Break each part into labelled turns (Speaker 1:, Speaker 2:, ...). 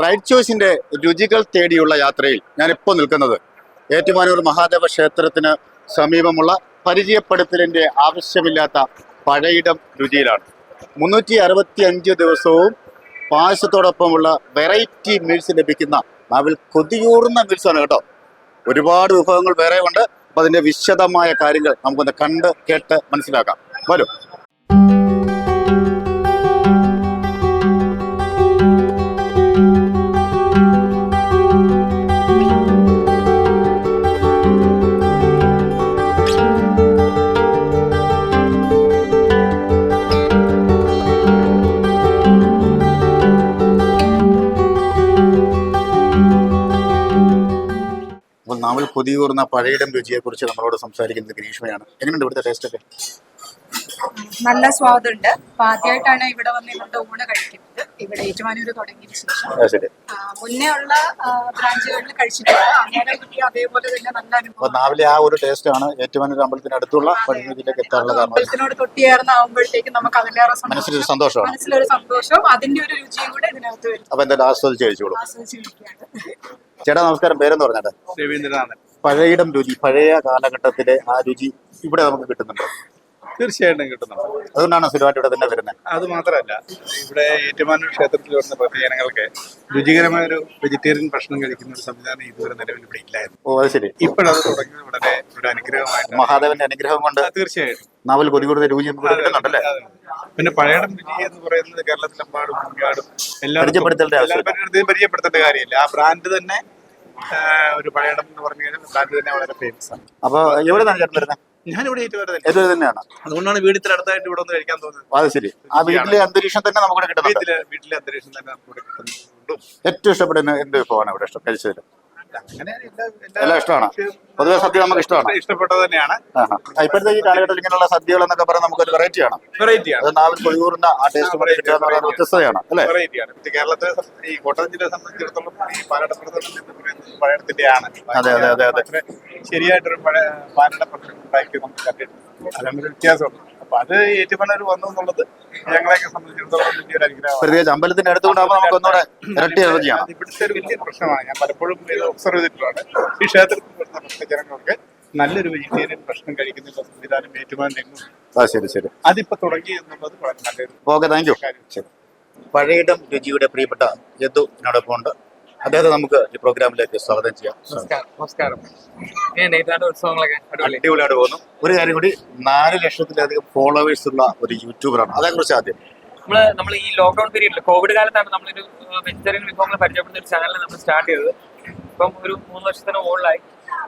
Speaker 1: Right ചോയ്സിന്റെ രുചികൾ തേടിയുള്ള യാത്രയിൽ ഞാനിപ്പോൾ നിൽക്കുന്നത് ഏറ്റുമാനൂർ മഹാദേവ ക്ഷേത്രത്തിന് സമീപമുള്ള പരിചയപ്പെടുത്തലിന്റെ ആവശ്യമില്ലാത്ത പഴയിടം രുചിയിലാണ്. 365 ദിവസവും പായസത്തോടൊപ്പമുള്ള വെറൈറ്റി മീൽസ് ലഭിക്കുന്ന നാവിൽ കൊതിയൂറുന്ന മീൽസാണ് കേട്ടോ. ഒരുപാട് വിഭവങ്ങൾ വേറെ ഉണ്ട്. അപ്പോൾ അതിന്റെ വിശദമായ കാര്യങ്ങൾ നമുക്കൊന്ന് കണ്ട് കേട്ട് മനസ്സിലാക്കാം. വരും. നാവിൽ കൊതിയൂറുന്ന പഴയിടം രുചിയെക്കുറിച്ച് നമ്മളോട് സംസാരിക്കുന്നത് ഗ്രീഷ്മയാണ്. എങ്ങനെയുണ്ട് ഇവിടുത്തെ ടേസ്റ്റ് ഒക്കെ?
Speaker 2: നല്ല സ്വാദുണ്ട്. അപ്പൊ ആദ്യമായിട്ടാണ് ഇവിടെ വന്നിട്ട് ഊണ് കഴിക്കുന്നത്. ഇവിടെ ഏറ്റുമാനൂര് തുടങ്ങിയതിന് ശേഷം മുന്നേ ഉള്ള ബ്രാഞ്ചുകളിൽ കഴിച്ചിട്ടില്ല. അങ്ങനെ കിട്ടിയ അതേപോലെ തന്നെ നല്ല അനുഭവം.
Speaker 1: നാവിലെ ആ ഒരു ടേസ്റ്റ് ആണ് ഏറ്റുമാനൂർ അമ്പലത്തിന് അടുത്തുള്ള പഴയതിലേക്ക് എത്താനുള്ള കാരണം.
Speaker 2: അമ്പലത്തിനോട് തൊട്ടിയേർന്നാകുമ്പോഴത്തേക്ക് നമുക്ക് അതിലേറെ
Speaker 1: മനസ്സിലൊരു
Speaker 2: സന്തോഷവും അതിന്റെ ഒരു രുചിയും കൂടെ ഇതിനകത്ത് വരും.
Speaker 1: അപ്പൊ എന്തായാലും ആസ്വദിച്ച് കഴിച്ചോളൂ. ചേട്ടാ നമസ്കാരം. പേരെന്ന് പറഞ്ഞാട്ടെ?
Speaker 3: രവീന്ദ്രനാഥൻ.
Speaker 1: പഴയിടം രുചി, പഴയ കാലഘട്ടത്തിലെ ആ രുചി ഇവിടെ നമുക്ക് കിട്ടുന്നുണ്ടോ?
Speaker 3: തീർച്ചയായിട്ടും കിട്ടുന്നുണ്ട്.
Speaker 1: അതുകൊണ്ടാണ് സ്ഥിരമായിട്ട് ഇവിടെ തന്നെ വരുന്നത്.
Speaker 3: അത് മാത്രമല്ല, ഇവിടെ ഏറ്റുമാനൂർ ക്ഷേത്രത്തിൽ വരുന്ന ഭക്തജനങ്ങൾക്ക് രുചികരമായ ഒരു വെജിറ്റേറിയൻ ഭക്ഷണം കഴിക്കുന്ന ഒരു സംവിധാനം ഇതുവരെ നിലവിൽ ഇവിടെ ഇല്ലായിരുന്നു.
Speaker 1: ഓ അത് ശരി.
Speaker 3: ഇപ്പോഴത് തുടങ്ങിയത് വളരെ ഒരു അനുഗ്രഹമായിട്ട്,
Speaker 1: മഹാദേവന്റെ അനുഗ്രഹം കൊണ്ട്
Speaker 3: തീർച്ചയായിട്ടും
Speaker 1: നാവൽ കൊതികൂടുന്ന രുചി കിട്ടുന്നുണ്ടല്ലേ.
Speaker 3: പിന്നെ പഴയടം രുചി എന്ന് പറയുന്നത് കേരളത്തിലെമ്പാടും എല്ലാവരും പരിചയപ്പെടുത്തേണ്ട കാര്യമില്ല. ആ ബ്രാൻഡ് തന്നെ ഒരു പഴയടം എന്ന് പറഞ്ഞു കഴിഞ്ഞാൽ ബ്രാൻഡ് തന്നെ വളരെ ഫേമസ് ആണ്.
Speaker 1: അപ്പൊ എവിടെ നിന്നാണ് ചേട്ടൻ വരുന്നത്?
Speaker 3: ഞാനിവിടെ
Speaker 1: ഏറ്റവും തന്നെയാണ്.
Speaker 3: അതുകൊണ്ടാണ് വീട്ടിൽ അടുത്തായിട്ട് ഇവിടെ ഒന്ന് കഴിക്കാൻ തോന്നുന്നത്.
Speaker 1: അത് ശരി. ആ വീട്ടിലെ അന്തരീക്ഷം തന്നെ നമുക്ക് കിട്ടുന്നുണ്ട്.
Speaker 3: വീട്ടിലെ അന്തരീക്ഷം തന്നെ നമുക്ക് കിട്ടുന്നുണ്ട്.
Speaker 1: ഏറ്റവും ഇഷ്ടപ്പെടുന്ന എന്ത് വിഭവമാണ് ഇവിടെ കഴിച്ചതിൽ? എല്ലാം ഇഷ്ടമാണ്. പൊതുവെ സദ്യ നമുക്ക് ഇഷ്ടമാണ്.
Speaker 3: ഇഷ്ടപ്പെട്ടത് തന്നെയാണ്.
Speaker 1: ഇപ്പോഴത്തെ ഈ കാലഘട്ടത്തിൽ ഇങ്ങനെയുള്ള സദ്യകൾ എന്നൊക്കെ പറഞ്ഞാൽ നമുക്കൊരു വെറൈറ്റിയാണ്. അത് നാവിൽ കൊഴിയൂറിന്റെ ആ ടേസ്റ്റ് വ്യത്യസ്തതയാണ് അല്ലെ.
Speaker 3: കേരളത്തെ ഈ കോട്ടയം ജില്ലയെ സംബന്ധിച്ചിടത്തോളം ഈ പഴയടത്തിന്റെയാണ്.
Speaker 1: അതെ അതെ അതെ അതെ.
Speaker 3: ശരിയായിട്ടൊരു പാലട ഭക്ഷണം ഉണ്ടാക്കി നമുക്ക് കണ്ടിട്ടുണ്ട്. അതിനൊരു വ്യത്യാസമുണ്ട്. അപ്പൊ അത് ഏറ്റുമാനൂർ വന്നു എന്നുള്ളത് ഞങ്ങളെയൊക്കെ സംബന്ധിച്ചിടത്തോളം വലിയൊരു അനുഗ്രഹമാണ്.
Speaker 1: പ്രത്യേകിച്ച് അമ്പലത്തിന്റെ അടുത്തുകൊണ്ടാകുമ്പോൾ നമുക്ക് ഒന്നുകൂടെ ഇരട്ടി എനർജിയാണ്.
Speaker 3: ഇവിടുത്തെ ഒരു വലിയ പ്രശ്നമാണ്. ഞാൻ പലപ്പോഴും ഒബ്സർവ് ചെയ്തിട്ടുള്ളതാണ്. ഈ ക്ഷേത്രത്തിൽ വരുന്ന ഭക്തജനങ്ങൾക്ക് നല്ലൊരു വെജിറ്റേറിയൻ ഭക്ഷണം കഴിക്കുന്ന സംവിധാനം ഏറ്റുമാനൂരിൽ.
Speaker 1: ശരി ശരി.
Speaker 3: അതിപ്പോ തുടങ്ങി എന്നുള്ളത് വളരെ നല്ലൊരു.
Speaker 1: Okay, thank you. പഴയിടം രുചിയുടെ പ്രിയപ്പെട്ട യദു എന്നോടൊപ്പം ഉണ്ട്. അദ്ദേഹത്തെ നമുക്ക് ഈ പ്രോഗ്രാമിലേക്ക് സ്വാഗതം ചെയ്യാം.
Speaker 4: നമസ്കാരം.
Speaker 1: അടിപൊളിയായിട്ട് പോകുന്നു. ഒരു കാര്യം കൂടി, 4 ലക്ഷത്തിലധികം ഫോളോവേഴ്സ് ഉള്ള ഒരു യൂട്യൂബറാണ്. അതേക്കുറിച്ച് ആദ്യം
Speaker 4: നമ്മൾ ഈ ലോക്ക്ഡൌൺ പീരീഡിൽ കോവിഡ് കാലത്താണ് നമ്മളൊരു വെജിറ്റേറിയൻ വിഭവങ്ങൾ പരിചയപ്പെടുന്ന ഒരു ചാനൽ നമ്മൾ സ്റ്റാർട്ട് ചെയ്തത്. ഇപ്പം ഒരു 3 വർഷത്തിന് മുകളിലായി.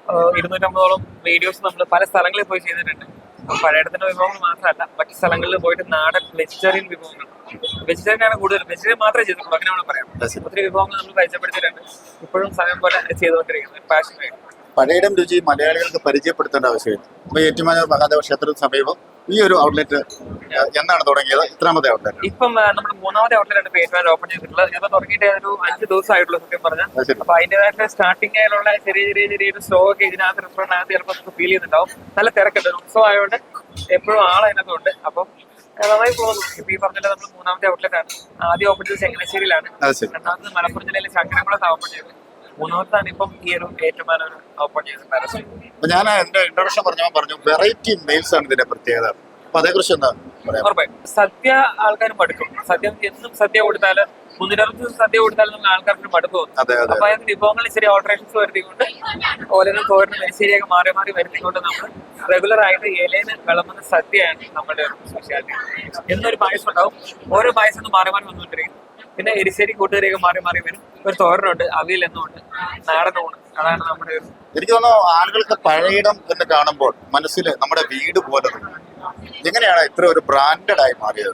Speaker 4: 250ഓളം വീഡിയോസ് നമ്മൾ പല സ്ഥലങ്ങളിൽ പോയി ചെയ്തിട്ടുണ്ട്. പഴയടത്തിന്റെ വിഭവങ്ങൾ മാത്രമല്ല, മറ്റു സ്ഥലങ്ങളിൽ പോയിട്ട് നാടൻ വെജിറ്റേറിയൻ വിഭവങ്ങൾ, വെജിറ്റേറിയൻ ആണ് കൂടുതൽ, വെജിറ്റേറിയൻ മാത്രമേ ചെയ്തിട്ടുള്ളൂ, അങ്ങനെ നമ്മൾ പറയാം. ഒത്തിരി വിഭവങ്ങൾ നമ്മൾ പരിചയപ്പെടുത്തിയിട്ടുണ്ട്. ഇപ്പോഴും സമയം പോലെ ചെയ്തുകൊണ്ടിരിക്കുന്നത് പാഷനായിട്ട്.
Speaker 1: പഴയിടം രുചി മലയാളികൾക്ക് പരിചയപ്പെടുത്തേണ്ട ആവശ്യമില്ല. അപ്പൊ ഏറ്റുമാനൂർ മഹാദേവ ക്ഷേത്രത്തിന് സമീപം ഈ ഒരു ഔട്ട്ലെറ്റ് എന്നാണ് തുടങ്ങിയത്? ഇത്രാമത്തെ ഔട്ട്ലെറ്റ്?
Speaker 4: ഇപ്പം നമ്മുടെ 3ാമത്തെ ഔട്ട്ലെറ്റ് ആണ് ഏറ്റുമാനൂർ ഓപ്പൺ ചെയ്തിട്ടുള്ളത്. ഇപ്പൊ തുടങ്ങിയിട്ട് ഒരു 5 ദിവസമായിട്ടുള്ള സത്യം പറഞ്ഞാൽ. അപ്പൊ അതിന്റേതായിട്ട് സ്റ്റാർട്ടിങ്ങിലുള്ള ചെറിയൊരു സ്റ്റോ ഒക്കെ ഇതിനകത്ത് റെസ്റ്റോറന്റിനകത്ത് ചിലപ്പോൾ ഫീൽ ചെയ്യുന്നുണ്ടാവും. നല്ല തിരക്കുണ്ട്. ഉത്സവം ആയതുകൊണ്ട് എപ്പോഴും ആളതിനകത്തുണ്ട്. അപ്പം നന്നായി പോകുന്നു. ഇപ്പൊ ഈ പറഞ്ഞിട്ട് നമ്മൾ 3ാമത്തെ ഔട്ട്ലെറ്റ് ആണ്. ആദ്യം ഓപ്പൺ ചെയ്തത് ചങ്ങനാശ്ശേരിയിലാണ്. രണ്ടാമത് മലപ്പുറം ജില്ലയിലെ ശങ്കരംകുളത്ത് ഓപ്പൺ ചെയ്തത്. 3ാമത്താണ് ഇപ്പം ഈ ഒരു ഏറ്റുമാനൂർ ഓപ്പൺ ചെയ്തത്.
Speaker 1: ഞാൻ എന്റെ ഇൻട്രൊഡക്ഷൻ പറഞ്ഞു വെറൈറ്റി മീൽസ് ആണ് ഇതിന്റെ പ്രത്യേകത. അപ്പൊ അതേക്കുറിച്ച് എന്താ
Speaker 4: ഉറപ്പായും സദ്യ ആൾക്കാർ മടുക്കും. എന്നും സദ്യ കൊടുത്താല് 360 സദ്യ കൊടുത്താലും നമ്മൾ ആൾക്കാർക്ക് മടുപ്പ് തോന്നും. അപ്പൊ അതിന് വിഭവങ്ങൾ ചെറിയ ഓൾട്ടറേഷൻസ് വരുത്തിക്കൊണ്ട് ഓരോന്നും തോരനും മെരിശ്ശേരിയൊക്കെ മാറി മാറി വരുത്തിക്കൊണ്ട് നമ്മൾ റെഗുലർ ആയിട്ട് ഇലയിൽ വിളമ്പുന്ന സദ്യയാണ് നമ്മുടെ സ്പെഷ്യാലിറ്റി. എന്നൊരു പായസം ഉണ്ടാവും. ഓരോ പായസം മാറി മാറി വന്നുകൊണ്ടിരിക്കും. പിന്നെ എരിശ്ശേരി കൂട്ടുകറിയൊക്കെ മാറി മാറി വരും. ഒരു തോരനുണ്ട്, അവിയൽ എന്നുണ്ട്, നാടനുണ്ട്. അതാണ് നമ്മുടെ.
Speaker 1: എനിക്ക് തോന്നുന്നു ആളുകൾക്ക് പഴയിടം എന്ന് കാണുമ്പോൾ മനസ്സിൽ നമ്മുടെ വീട് പോലെ. എങ്ങനെയാണ് ഇത്ര ഒരു ബ്രാൻഡഡ് ആയി മാറിയത്?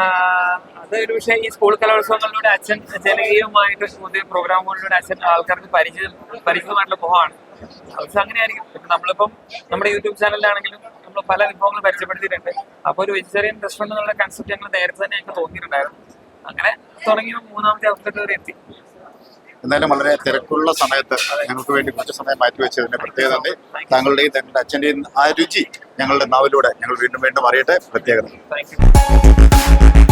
Speaker 4: അതൊരു പക്ഷേ ഈ സ്കൂൾ കലോത്സവങ്ങളിലൂടെ അച്ഛൻ ജനകീയമായിട്ട് പുതിയ പ്രോഗ്രാമുകളിലൂടെ അച്ഛൻ ആൾക്കാർക്ക് പരിചിതമായിട്ടുള്ള മുഖമാണ്. പക്ഷെ അങ്ങനെയായിരിക്കും. ഇപ്പം നമ്മളിപ്പം നമ്മുടെ യൂട്യൂബ് ചാനലിലാണെങ്കിലും നമ്മൾ പല വിഭവങ്ങൾ പരിചയപ്പെടുത്തിയിട്ടുണ്ട്. അപ്പോൾ ഒരു വെജിറ്റേറിയൻ റെസ്റ്റോറന്റ് എന്നുള്ള കൺസെപ്റ്റ് ഞങ്ങൾ നേരത്തെ തന്നെ ഞങ്ങൾക്ക് തോന്നിയിട്ടുണ്ടായിരുന്നു. അങ്ങനെ തുടങ്ങിയ 3ാമത്തെ ഔട്ട്ലെറ്റ് വരെ എത്തി.
Speaker 1: എന്നാലും വളരെ തിരക്കുള്ള സമയത്ത് ഞങ്ങൾക്ക് വേണ്ടി കുറച്ച് സമയം മാറ്റിവെച്ചതിന്റെ പ്രത്യേകത ഉണ്ട്. താങ്കളുടെയും താങ്കളുടെ അച്ഛൻ്റെയും ആ രുചി ഞങ്ങളുടെ നാവിലൂടെ ഞങ്ങൾ വീണ്ടും അറിയട്ടെ. പ്രത്യേകത.
Speaker 4: Thank U.